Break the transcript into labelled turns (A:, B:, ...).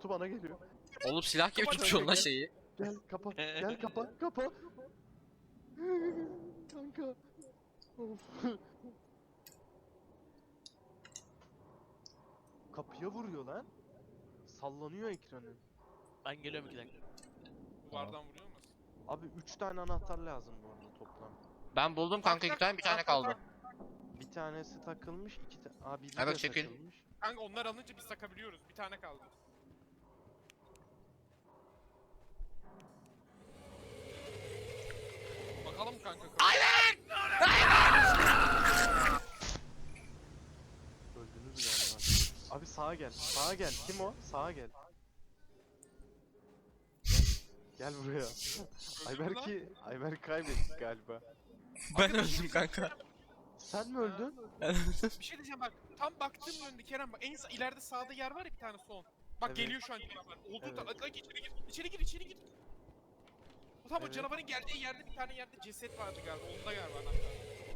A: pilotu bana geliyor.
B: Oğlum silah gibi
A: Kapat
B: tutuyorsun lan
A: kanka.
B: şeyi.
A: Gel kapa. Gel kapa. Kapa. Kanka. Of. Kapıya vuruyor lan. Sallanıyor ekranı.
C: Ben geliyorum 2 dakika.
D: Duvardan vuruyor musun?
A: Abi 3 tane anahtar lazım bu arada toplam.
B: Ben buldum kanka 2 tane, bir tane kaldı.
A: Bir tanesi takılmış, iki tane. Aa biri
B: Evet,
A: de
B: çekil.
A: takılmış.
D: Kanka onlar alınca biz takabiliyoruz. Bir tane kaldı. Bakalım kanka.
A: Öldünüz galiba. Abi sağa gel. Sağa gel. Kim o? Sağa gel. Gel buraya. Ayberk kaybettik galiba.
B: Ben öldüm kanka.
A: Sen mi öldün?
D: Bir şey diyeceğim bak. Tam baktığım yönde Kerem bak. En ileride sağda yer var ya bir tane son. Bak
A: Evet.
D: geliyor şu an canavar. Olduğu
A: Evet.
D: hadi içeri gir. İçeri gir, içeri gir. Tam o
A: Evet.
D: canavarın geldiği yerde bir tane yerde ceset vardı galiba. Onda galiba anahtar.